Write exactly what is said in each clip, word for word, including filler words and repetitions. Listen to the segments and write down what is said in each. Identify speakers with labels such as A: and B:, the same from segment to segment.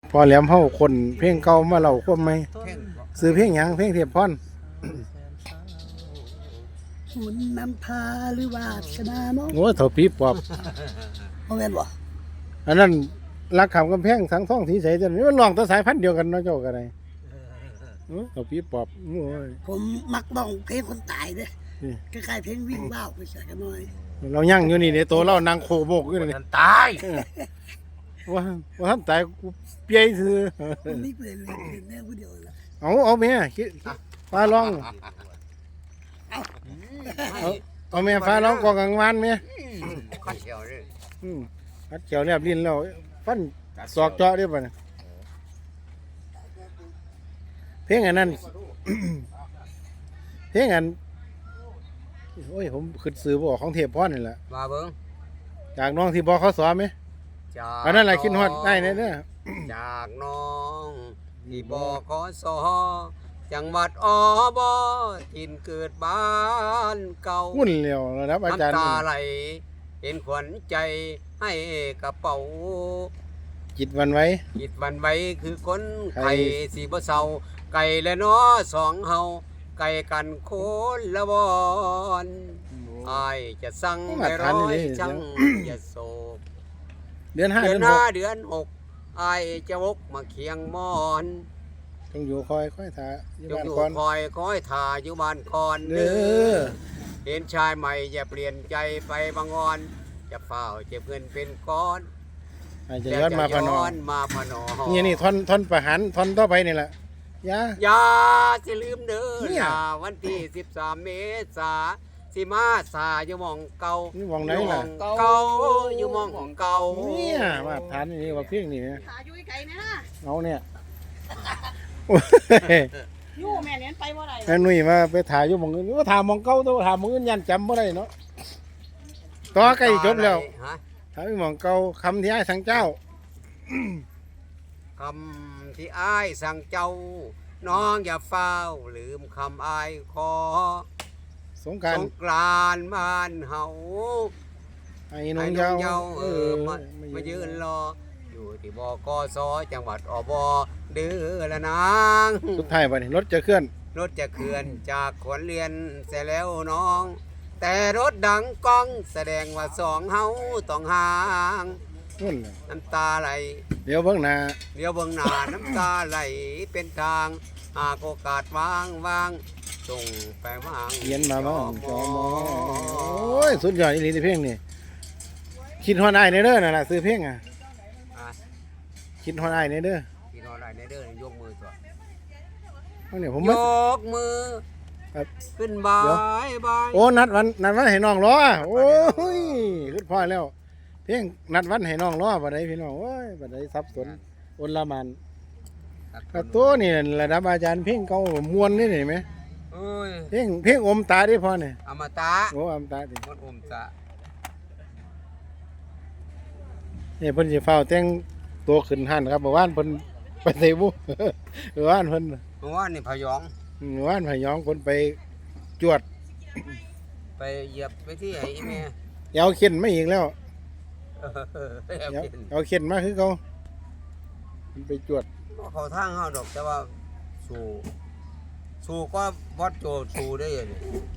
A: พอแหลมเฮาคนเพลงเก่ามาเล่าความใหม่ซื้อเพลงหยังเพลงเทียบพร
B: หุ่นนำพาหรือวาสนาเนาะ
A: โอ้เถ่าปีปอบ
B: บ่แม่นบ่
A: อันนั้นรักขำกำแพงสังท่องสีใสจังนี่มันร้องแต่สายพันธุ์เดียวกันเนาะเจ้าก็ได้โอ้เถ่าปีปอบโอ้ย
B: ผมมักร้องเพลงคนตายเด้คล้ายๆเพลงวิ่งว่าวไปใส่กันหน่อย
A: เรายั่งอยู่นี่เด้โตเรานางโคโบกอยู่นี่
C: ตาย
A: ว่าว่าท่านตายกูเปียซื่อ
B: ผมมีเพื่อนเล่นแม่ผู้เดียวล่ะ
A: เอาเอาแม่ฟ้าร้องเอาเอาแม่ฟ้าร้องกองกลางวันแม่
C: ขัดเขียวเลย
A: อืมขัดเขียวแลบลิ้นแล้วฟันศอกเจาะได้ป่ะเนี่ยเพลงอันนั้นเพลงอันโอ้ยผมขึ้นซื้อบอกของเทพพรนี่แหละ
C: มาเบิ้ง
A: จากน้องที่บอกเขาสอนไหมอันนั้นแหละคิดฮอดได้เนี่ยเนี่ย
C: จากน้องที่บอกขอสอจังหวัดอบทินเกิดบ้านเก่า
A: หุ่นเหลียวนะครับอาจารย์
C: น้ำตาไหลเป็นขวัญใจให้กระเป๋า
A: จิตวันไว้
C: จิตวันไว้คือคนไข่สีบ่เศร้าไก่และน้อสองเฮาไก่กันโคนละวอนอายจะสั่งให้ร้อยช่างอย่าโศก
A: เดือนห้า
C: เดื
A: อ
C: นห้าเดือนหกอายจะวกมาเคียงมอน
A: จงอยู่คอยคอยถ่า
C: อยู่บ้านคอนคอยคอยถ่าอยู่บ้านคอนเด้อเห็นชายใหม่อย่าเปลี่ยนใจไปบางอนจะเฝ้าเจ็บเงินเป็นก้อน
A: จะย้อนมาพนอ
C: มาพนอ
A: นี่นี่ท่อนท่อนประหารท่อนต่อไปนี่แหละยา
C: อย่าจะลืมเด้อวันที่สิบสามเมษาสิมาสาอยู่มองเก่า
A: อยู่มองไหนล่ะ
C: เก่าอยู่มองของเก่า
A: เนี่ยมาทานนี่ว่าเพียงนี่นะ
B: ขาอยู่ไกลนะ
A: เอาเนี่ย
B: ยู่แม่เลี้ยนไปบ่ได้
A: ไอ้หนุ่ยมาไปถ่ายอยู่มองอื่นว่าถ่ายมองเก่าตัวถ่ายมองอื่นยันจำบ่ได้เนาะต่อใกล้จบแล้วถ่ายมองเก่าคำที่ไอ้สังเจ้า
C: คำที่อ้ายสั่งเจ้าน้องอย่าเฝ้าลืมคำอ้ายขอ
A: สงกรานต์
C: สงกรานต์บ้านเฮา
A: ไอ้น้องเยา
C: เออมามายืนรออยู่ที่บกสจังหวัดอบเดือละนาง
A: สุดท้ายวันนี้รถจะเคลื่อน
C: รถจะเคลื่อนจากขวนเรียนเสร็จแล้วน้องแต่รถดังก้องแสดงว่าสองเฮาต้องห่างน้ำตาไหล
A: เดี๋ยวเบื้องหน้า
C: เดี๋ยวเบื้องหน้าน้ำตาไหลเป็นทางหากโอกาสวางวางส่งไปวาง
A: เย็นมาบ้างจอมอโอ้ยสุดยอดอีหลีเพลงนี่คิดฮอดไอ้ในเด้อน่ะนะซื้อเพลงอ่ะคิดฮอดไอ้ในเด้อ
C: คิดฮอดไอ้ในเด้อยกมือตัว
A: เนี่ยผม
C: ยกมือขึ้นบายบาย
A: โอ้นัดวันนัดวันให้น้องล้อโอ้ยขึ้นพ่อแล้วเพลงนัดวันให้น้องล้อบัดใดพี่น้องโอ้ยบัดใดสับสนอนละมันตัวนี่ระดับอาจารย์เพลงเก่ามวนนี่เห็นไหมเพลงเพลงอมตาได้พอเนี่ย
C: อมตะ
A: โอ้อมตาดิ
C: มันอมตะ
A: นี่เพิ่นสิเฝ้าแต่งตัวขึ้นหันครับเมื่อวานเพิ่นไปเตะบุเมื่อวานเพิ่น
C: เมื่อวานนี่พยอง
A: เมื่อวานพยองเพิ่นไปจวด
C: ไปเหยียบไปที่ไอ้แม่
A: เอาเข็นไม่อีกแล้วเอาเข็นมาคือเขาไปจวด
C: เขาทางเฮาดอกแต่ว่าสู่สู่ก็วัดโจสู่ได้เลย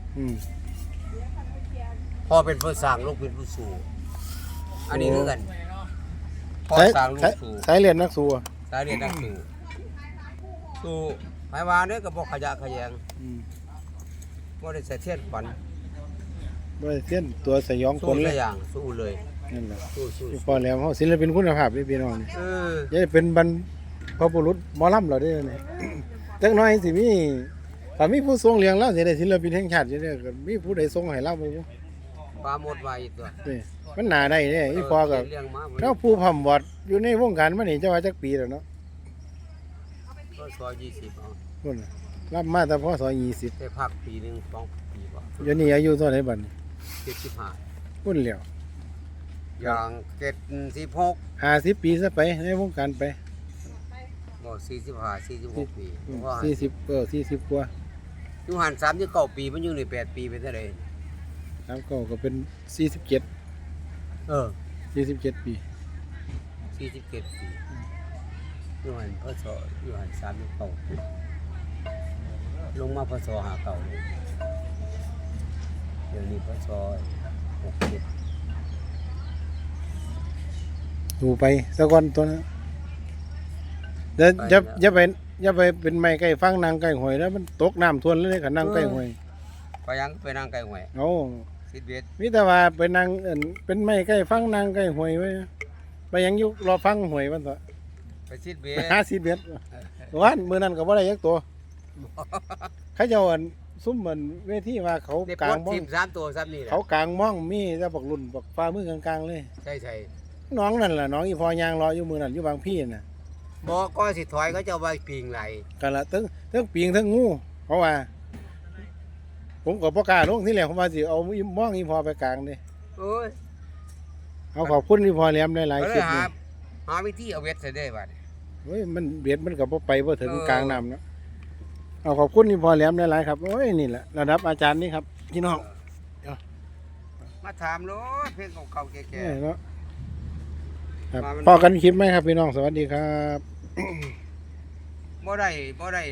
C: พอเป็นผู้สร้างลูกเป็นผู้สู่อันนี้คือกัน
A: พอสร้างลูกสู่สายเรียนนักสู่
C: สายเรียนนักสู่สู่หมายวาเนี่ยกับพวกขยะขยงบ่ได้ใส่เทียนฝัน
A: บ่ได้เทียนตัวสยองคน
C: เลยอย่างสู้เลย
A: นั่นแหละสู้ๆพอแล้วเฮาศิลปินคุณภาพพี่น้องนี่เออจะเป็นบรรพบุรุษหมอลำเราได้เนี่ยจักน้อยสิมีถ้ามีผู้ทรงเลี้ยงแล้วสิได้ศิลปินแห่งชาติสิได้มีผู้ใดทรงให้เราบ่
C: ปลาหมดไว้ตัว
A: นี่มันหนาได้เนี่ยอีพอกับถ้าผู้พำบอดอยู่ในวงการมันนี่จะว่าจักปีแล้วเนาะ
C: ก็ซอยยี่สิบเอา
A: พุ่นรับมาแต่พอซอยยี่สิบ
C: ได้พักปีนึงสองปีบ่
A: เดี๋ยวนี้อายุเท่าไหร่บัดนี้
C: เจ็ดสิบห้า
A: พุ่นแล้ว
C: อย่างเจ็ดสิบหก
A: ห้าสิบปีซะไปในวงการไป
C: บ่สี่สิบห้าสี่สิบหกปี
A: สี่สิบเออสี่สิบกว่า
C: อยู่หันสามสิบเก้าปีมันอยู่ในแปดปีเป็นเท่าไหร่
A: สามเก้าก็เป็นสี่สิบเจ็ด
C: เออ
A: สี่สิบเจ็ดปี
C: สี่สิบเจ็ดปีอยู่หันพศอยู่หันสามสิบเก้าลงมาพศห้าเก้าเลยเดี๋ยวนี้พศหกเจ็ด
A: อยู่ไปสักวันตัวนั้นเดี๋ยวอย่าอย่าไปอย่าไปเป็นไม้ใกล้ฟังนางใกล้หวยแล้วมันตกน้ำท่วมเลยกับนางใกล้หวย
C: ก็ยังไปนั่งไก่หวย
A: โอ้
C: สิบเอ็ด
A: มีแต่ว่าไปนางเอิ่นเป็นไม้ใกล้ฟังนางใกล้หวยไว้ไปยังอยู่รอฟังหวยมันต่อ
C: ไปสิบเอ็
A: ไป
C: ด
A: หาสิบเอ็ดวันมื้อนั้นก็บ่ได้ยักตัวเขาเจ้าอันซุ่มเหมือนเวทีว่าเขา
C: ได้
A: ก
C: ป
A: ลา
C: ล
A: ง
C: ด
A: ม่อ
C: ที
A: ง
C: มสามตัวซ้ำนี่แหละ
A: เขากลางม่องมีแต่บักรุ่นบักฟ้ามือกลางๆเลย
C: ใช่ใช่
A: น้องนั่นล่ะน้องอีพอยางรออยู่มื้อนั้นอยู่บางพี่น่ะ
C: บอกก็สิถอยเขาจะเอาไปปิงไหล
A: กันละทั้งทั้งปีงทั้งงูเพราะว่า ผมก็บ่กล้าลงที่แรกผมว่าสิเอาอีม่องอีพอไปกลางเด้
C: โอ้ย
A: เอาขอบคุณอีพอแหลมหลาย
C: ก็
A: ๆ
C: เล
A: คลิ
C: ย
A: ป
C: หา
A: นี่
C: หาวิธีเอาเวทใส่ได้บัด
A: เฮ้ยมันเบียดมันก็บ่ไปบ่ถึง
C: เออ
A: กลางน้ำเนาะเอาขอบคุณอีพอแหลมหลายๆครับโอ้ยนี่แหละระดับอาจารย์นี่ครับพี่น้อง
C: มาถามรถเพลงเก่าๆแก่
A: เอ้ยเนาะครับ
C: มามัน
A: พอกันคลิปไหมครับพี่น้องสวัสดีครับ
C: ๆบ่ได้บ่ได้